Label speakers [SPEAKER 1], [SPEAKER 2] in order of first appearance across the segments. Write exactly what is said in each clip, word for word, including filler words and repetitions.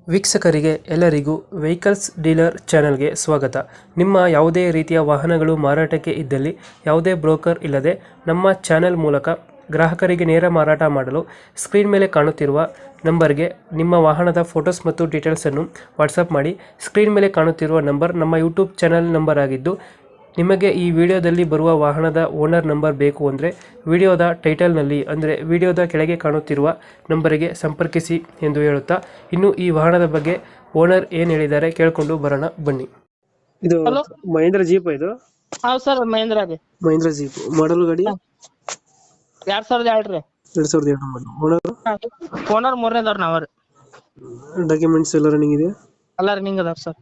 [SPEAKER 1] ವೀಕ್ಷಕರಿಗೆ ಎಲ್ಲರಿಗೂ vehicles dealer ಚಾನೆಲ್ಗೆ ಸ್ವಾಗತ. ನಿಮ್ಮ ಯಾವುದೇ ರೀತಿಯ ವಾಹನಗಳು ಮಾರಾಟಕ್ಕೆ ಇದ್ದಲ್ಲಿ ಯಾವುದೇ ಬ್ರೋಕರ್ ಇಲ್ಲದೆ ನಮ್ಮ ಚಾನೆಲ್ ಮೂಲಕ ಗ್ರಾಹಕರಿಗೆ ನೇರ ಮಾರಾಟ ಮಾಡಲು ಸ್ಕ್ರೀನ್ ಮೇಲೆ ಕಾಣುತ್ತಿರುವ ನಂಬರ್ಗೆ ನಿಮ್ಮ ವಾಹನದ ಫೋಟೋಸ್ ಮತ್ತು ಡೀಟೇಲ್ಸನ್ನು ವಾಟ್ಸಪ್ ಮಾಡಿ. ಸ್ಕ್ರೀನ್ ಮೇಲೆ ಕಾಣುತ್ತಿರುವ ನಂಬರ್ ನಮ್ಮ ಯೂಟ್ಯೂಬ್ ಚಾನೆಲ್ ನಂಬರ್ ಆಗಿದ್ದು, ನಿಮಗೆ ಈ ವಿಡಿಯೋದಲ್ಲಿ ಬರುವ ವಾಹನದ ಓನರ್ ನಂಬರ್ ಬೇಕು ಅಂದರೆ ವಿಡಿಯೋದ ಟೈಟಲ್ನಲ್ಲಿ ಅಂದರೆ ವಿಡಿಯೋದ ಕೆಳಗೆ ಕಾಣುತ್ತಿರುವ ನಂಬರಿಗೆ ಸಂಪರ್ಕಿಸಿ ಎಂದು ಹೇಳುತ್ತಾ, ಇನ್ನು ಈ ವಾಹನದ ಬಗ್ಗೆ ಓನರ್ ಏನು ಹೇಳಿದ್ದಾರೆ ಕೇಳಿಕೊಂಡು ಬರೋಣ ಬನ್ನಿ. ಇದು
[SPEAKER 2] ಹಲೋ
[SPEAKER 1] ಮಹೇಂದ್ರ ಜೀಪ್ ಇದು
[SPEAKER 2] ಹೌದ್ ಸರ್ ಮಹೇಂದ್ರ ರೀ
[SPEAKER 1] ಮಹೇಂದ್ರ ಜೀಪ್ ಮಾಡಲ್ ಗಾಡಿ
[SPEAKER 2] ಎರಡ್ ಸಾವಿರದ ಎರಡ್ ರೀ
[SPEAKER 1] ಎರಡ್ ಸಾವಿರದ ಎರಡು ಮಾಡಲ್. ಓನರ್
[SPEAKER 2] ಓನರ್ ಮೂರನೇದವ್ರ ನಾವ್ ರೀ.
[SPEAKER 1] ಡಾಕ್ಯುಮೆಂಟ್ಸ್ ಎಲ್ಲ ರನ್ನಿಂಗ್ ಇದೆ.
[SPEAKER 2] ಎಲ್ಲ ರನ್ನಿಂಗ್ ಅದಾವ ಸರ್.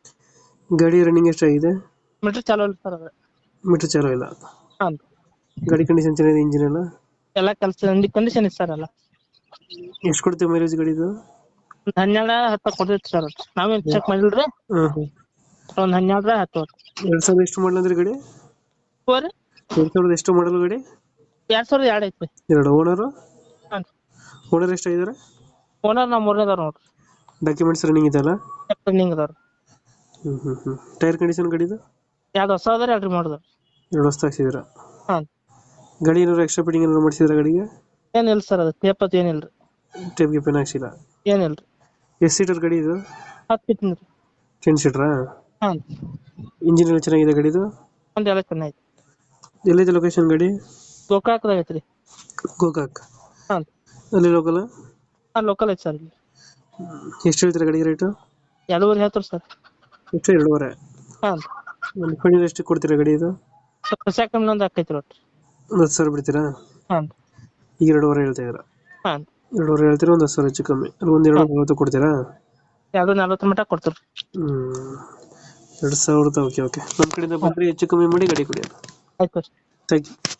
[SPEAKER 1] ಗಾಡಿ ರನ್ನಿಂಗ್ ಎಷ್ಟಾಗಿದೆ?
[SPEAKER 2] ಮೀಟರ್ ಚಾಲೂ ಇಲ್ಲ ಸರ್ ಅದ.
[SPEAKER 1] ಮೀಟರ್ ಚಾಲೂ ಇಲ್ಲ.
[SPEAKER 2] ಹಾಂ
[SPEAKER 1] ಗಾಡಿ ಕಂಡೀಷನ್ ಚೆನ್ನಾಗಿದೆ, ಇಂಜಿನ್ ಎಲ್ಲ
[SPEAKER 2] ಎಲ್ಲ ಕೆಲಸ ಕಂಡೀಷನ್ ಇದೆ ಸರ್. ಎಲ್ಲ
[SPEAKER 1] ಎಷ್ಟು ಕೊಡ್ತೀವಿ ಮೈಲೇಜ್ ಗಾಡಿದು?
[SPEAKER 2] ಒಂದ್ ಹನ್ನೆರಡ ಹತ್ತ ಕೊಡ್ತೈತಿ ಸರ್. ನಾವೇನ್ ಚೆಕ್ ಮಾಡಿಲ್ರಿ.
[SPEAKER 1] ಹಾಂ ಹಾಂ
[SPEAKER 2] ಒಂದ್ ಹನ್ನೆರಡರ ಹತ್ತು
[SPEAKER 1] ಎರಡ್ ಸಾವಿರದ ಎಷ್ಟು ಮಾಡಲ್ ಅಂದ್ರೆ ಗಾಡಿ?
[SPEAKER 2] ಹೋರಿ
[SPEAKER 1] ಎರಡ್ ಸಾವಿರದ ಎಷ್ಟು ಮಾಡಲ್ ಗಾಡಿ?
[SPEAKER 2] ಎರಡ್ ಸಾವಿರದ ಎರಡ್ ಐತ್ರಿ.
[SPEAKER 1] ಎರಡು. ಓನರು
[SPEAKER 2] ಹಾಂ
[SPEAKER 1] ಓನರ್ ಎಷ್ಟಾಗಿದ್ದಾರೆ?
[SPEAKER 2] ಓನರ್ ನಾವ್ ಮೂರನೇದವ್ರ ನೋಡ್ರಿ.
[SPEAKER 1] ಡಾಕ್ಯುಮೆಂಟ್ಸ್ ರನ್ನಿಂಗ್ ಇದೆಲ್ಲ?
[SPEAKER 2] ರನ್ನಿಂಗ್ ಅದಾವ್ರಿ.
[SPEAKER 1] ಹ್ಮ್ ಹ್ಮ್ ಹ್ಮ್ ಟೈರ್ ಕಂಡೀಷನ್ ಗಾಡಿದು?
[SPEAKER 2] ಯಾವ್ದು ಹೊಸ ಅದಾರ ಎರಡ್ರಿ ಮಾಡಿದ್ರಿ.
[SPEAKER 1] ಎರಡು ಹೊಸ ಹಾಕ್ಸಿದ್ರ?
[SPEAKER 2] ಹಾಂ
[SPEAKER 1] ಗಾಡಿ ಏನಾದ್ರು ಎಕ್ಸ್ಟ್ರಾ ಫಿಟ್ಟಿಂಗ್ ಏನಾದ್ರು ಮಾಡಿಸಿದ್ರ ಗಾಡಿಗೆ?
[SPEAKER 2] ಏನಿಲ್ಲ ಸರ್, ಅದು ತೇಪತ್ ಏನಿಲ್ರಿ.
[SPEAKER 1] ಟೇಪ್ ಗಿಪ್ ಏನು ಹಾಕ್ಸಿಲ್ಲ?
[SPEAKER 2] ಏನಿಲ್ರಿ.
[SPEAKER 1] ಎಷ್ಟು ಸೀಟರ್ ಗಾಡಿ ಇದು?
[SPEAKER 2] ಹತ್ತು ಫಿಟ್ಟಿಂಗ್ ರೀ.
[SPEAKER 1] ಟೆನ್ ಸೀಟ್ರಾ?
[SPEAKER 2] ಹಾಂ
[SPEAKER 1] ಇಂಜಿನ್ ಎಲ್ಲ ಚೆನ್ನಾಗಿದೆ ಗಾಡಿದು?
[SPEAKER 2] ಒಂದ್ ಎಲ್ಲ ಚೆನ್ನಾಗಿ.
[SPEAKER 1] ಎಲ್ಲಿದೆ ಲೊಕೇಶನ್ ಗಾಡಿ?
[SPEAKER 2] ಗೋಕಾಕ್ದಾಗ ಐತ್ರಿ.
[SPEAKER 1] ಗೋಕಾಕ್
[SPEAKER 2] ಹಾಂ
[SPEAKER 1] ಅಲ್ಲಿ ಲೋಕಲ್?
[SPEAKER 2] ಹಾಂ ಲೋಕಲ್ ಐತಿ ಸರ್.
[SPEAKER 1] ಎಷ್ಟು ಹೇಳ್ತೀರಾ ಗಾಡಿಗೆ ರೇಟು?
[SPEAKER 2] ಎರಡೂವರೆ ಹೇಳ್ತಾರ ಸರ್.
[SPEAKER 1] ಎಷ್ಟು? ಎರಡೂವರೆ.
[SPEAKER 2] ಹಾಂ
[SPEAKER 1] ಒಂದು ಫೈನಲ್ ಎಷ್ಟು ಕೊಡ್ತೀರಾ ಗಾಡಿ ಇದು?
[SPEAKER 2] ಹೊಸ ಕಮ್ಮಿ ಆಕೈತಿ ಒಟ್ಟು.
[SPEAKER 1] ಒಂದು ಹತ್ತು ಸಾವಿರ ಬಿಡ್ತೀರಾ?
[SPEAKER 2] ಹಾಂ
[SPEAKER 1] ಈಗ ಎರಡೂವರೆ ಹೇಳ್ತಾ ಇದ್ದೀರಾ?
[SPEAKER 2] ಹಾಂ
[SPEAKER 1] ಎರಡೂವರೆ ಹೇಳ್ತೀರಾ, ಒಂದು ಹತ್ತು ಸಾವಿರ ಹೆಚ್ಚು ಕಮ್ಮಿ ಅಲ್ಲಿ ಒಂದು ಎರಡು ನಲ್ವತ್ತು ಕೊಡ್ತೀರಾ?
[SPEAKER 2] ಎರಡು ನಲ್ವತ್ತು ಮಟ್ಟ ಕೊಡ್ತೀರಿ.
[SPEAKER 1] ಹ್ಮ್ ಎರಡು ಸಾವಿರದ. ಓಕೆ ಓಕೆ ನಮ್ಮ ಕಡೆಯಿಂದ ಬಂದರೆ ಹೆಚ್ಚು ಕಮ್ಮಿ ಮಾಡಿ ಗಾಡಿ ಕೊಡಿ.
[SPEAKER 2] ಆಯ್ತು.
[SPEAKER 1] Thank you.